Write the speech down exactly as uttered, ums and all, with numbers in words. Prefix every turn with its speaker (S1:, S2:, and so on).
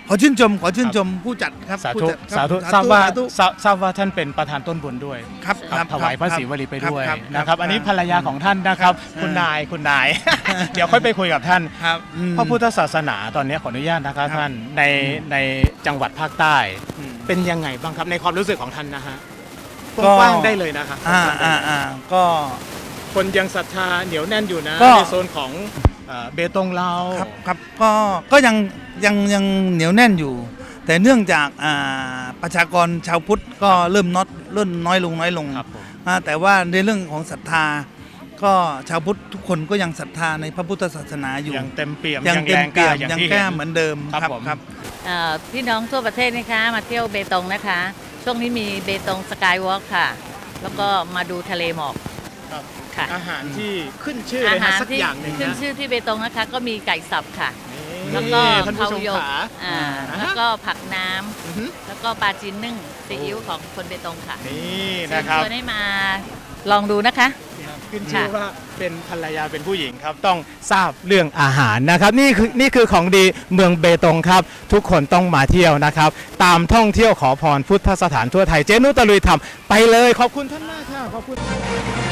S1: ขอชื่นชมขอชื่นชมผู้จัดครับ
S2: สา
S1: ผู้
S2: ธุ
S1: จัดครับ
S2: สาธุ
S1: สา
S2: ทราบ
S1: ธุ
S2: ว่า
S1: สาธุ
S2: ทราบทราบว่าท่านเป็นประธานต้นบุญด้วย
S1: ครับ
S2: ค
S1: ค
S2: รั
S1: รั
S2: บบ ถวายพระศิวลีไปด้วย
S1: ครับ
S2: นะครับอันนี้ภรรยาของท่านนะครับ
S1: ครับ
S2: คุณนายคุณนาย เดี๋ยวค่อยไปคุยกับท่าน
S1: ครับอืม
S2: พระพุทธศาสนาตอนนี้ขออนุญาตนะครับ
S1: ครับ
S2: ท่านในในจังหวัดภาคใต้
S1: อืม
S2: เป็นยังไงบ้างครับในความรู้สึกของท่านนะฮะ
S1: ก็
S2: กว้างๆได้เลยนะครับ
S1: อ่าอ่าอ่าก็
S2: คนยังศรัทธาเหนียวแน่นอยู่นะ
S1: ก็
S2: ในโซนของเอ่อเบตงเรา
S1: ครับครับก็ก็ยังยังยังเหนียวแน่นอยู่ แต่เนื่องจากอ่าประชากรชาวพุทธก็เริ่มน้อยเริ่มน้อยลงน้อยลง
S2: ครับผม
S1: อ่าแต่ว่าในเรื่องของศรัทธา ก็ชาวพุทธทุกคนก็ยังศรัทธาในพระพุทธศาสนาอยู่
S2: ยังเต็มเปี่ยม
S1: ยัง
S2: ยัง
S1: เต็
S2: แร
S1: ม
S2: งก
S1: เปี่
S2: ล้าย
S1: ม
S2: อย่าง
S1: ยัง
S2: ที่
S1: แก้
S2: เห็น
S1: เหมือนเดิม
S2: ครับผม
S1: ครับ
S3: เอ่อพี่น้องทั่วประเทศนะคะมาเที่ยวเบตงนะคะ ช่วงนี้มีเบตงสกายวอล์กค่ะ แล้วก็มาดูทะเลหมอก
S2: ครับ
S3: ค่ะ
S2: อาหารที่ขึ้นชื่อ
S3: อา
S2: เลย
S3: หา
S2: นะ
S3: ร
S2: สัก
S3: ที่
S2: อย่างหนึ่ง
S3: ขึ้น
S2: นะ
S3: ชื่อที่เบตงนะคะ ก็มีไก่สับค่ะ
S2: นี่
S3: แล้วก็
S2: ท่านผู้
S3: เผา
S2: ชม
S3: หยก
S2: ขา
S3: อ่า
S2: อ่า
S3: แล้วก็ผักน้ำ
S2: อือฮึ
S3: แล้วก็ปลาจีนนึ่งซีอิ๊วของคนเบตงค่ะ
S2: นี่
S3: เชิ
S2: นะ
S3: ญ
S2: ครับ
S3: ชวนให้มาลองดูนะคะ
S2: ขึ้นชื่อว่าเป็นภรรยาเป็นผู้หญิงครับต้องทราบเรื่องอาหารนะครับนี่คือนี่คือของดีเมืองเบตงครับทุกคนต้องมาเที่ยวนะครับ ตามท่องเที่ยวขอพรพุทธสถานทั่วไทยเจนุตะลุยทำไปเลยขอบคุณท่านมากค่ะขอบคุณ